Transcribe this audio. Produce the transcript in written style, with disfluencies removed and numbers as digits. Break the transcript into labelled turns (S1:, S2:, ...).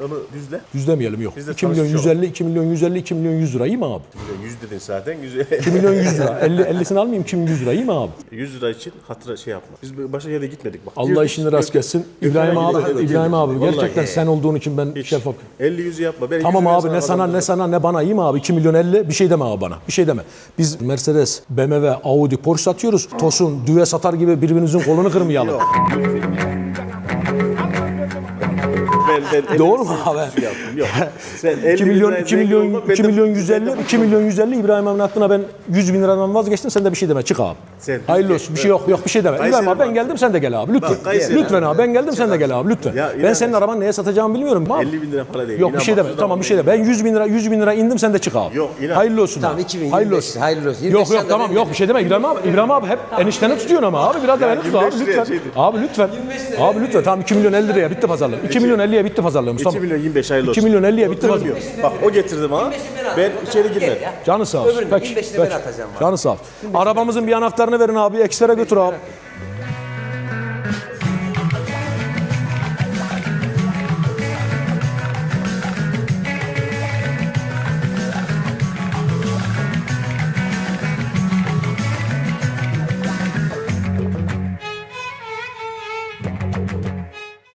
S1: onu düzle.
S2: Düzlemeyelim yok.
S1: Biz de
S2: 2 milyon
S1: tanışmış
S2: 150, 2 milyon 150, 2 milyon 100 lira iyi mi abi?
S1: 100 dedin zaten.
S2: 2 milyon 100 lira. 50'sini almayayım 2 milyon 100 lira iyi mi abi?
S1: 100 lira için hatıra şey yapma. Biz başka yere gitmedik bak.
S2: Allah
S1: Girdik,
S2: işini rast kessin.
S1: Gökhan'a
S2: İbrahim abi,
S1: girdik,
S2: İbrahim abi
S1: Vallahi.
S2: gerçekten sen olduğun için ben
S1: Hiç.
S2: şeffaf.
S1: 50-100'ü yapma. Ben
S2: Tamam
S1: 100'ü
S2: abi ne sana
S1: adam-
S2: ne sana ne bana iyi mi abi? 2 milyon 50 bir şey deme abi bana. Bir şey deme. Biz Mercedes, BMW, Audi, Porsche satıyoruz. Tosun, düve satar gibi birbirimizin kolunu kırmayalım.
S1: Ben
S2: Doğru mu abi?
S1: Şey yaptım. Yok. Sen 50
S2: 2 milyon 2 milyon 2 milyon 150 2 milyon 150 İbrahim abinin hakkına ben 100 bin liradan vazgeçtim sen de bir şey deme çık abi.
S1: Sen-
S2: Hayırlı olsun bir şey yok bir şey deme. İbrahim abi ben geldim sen de gel abi lütfen.
S1: Bak, Kayseri
S2: Lütfen abi ben geldim sen de gel abi lütfen.
S1: Ya,
S2: Ben
S1: İbrahim
S2: senin arabanı neye satacağımı bilmiyorum abi.
S1: 50 bin lira para değil.
S2: Yok
S1: İnan
S2: bir şey
S1: bak,
S2: deme.
S1: şuradan
S2: Tamam bir şey deme. Ben 100 bin lira indim sen de çık abi.
S1: Yok, inan.
S2: Hayırlı olsun.
S3: Tamam,
S2: abi.
S3: 2025
S2: Hayırlı olsun.
S3: hayırlı olsun.
S2: Yok
S3: 25
S2: yok tamam
S3: sen de
S2: yok bir şey deme İbrahim abi hep enişteni tutuyorsun ama abi biraz da beni tut abi
S1: 25 liraya
S2: lütfen.
S1: şeydi.
S2: Abi lütfen. Abi lütfen tamam 2 milyon 50 liraya bitti pazarlığım. 2 milyon 50'ye bitti pazarlığımız
S1: 2
S2: tamam.
S1: milyon 25 hayırlı
S2: 2
S1: olsun.
S2: milyon 50'ye bitti
S1: Durmuyor.
S2: pazarlığım.
S1: Bak o getirdi bana. Ben içeri girmedim.
S2: Canı sağ olsun.
S3: Öbürünü,
S2: Peki.
S3: 25'ini
S2: peki.
S3: ben atacağım abi.
S2: Canı sağ olsun. Arabamızın bir anahtarını verin abi. Ekslere götür abi.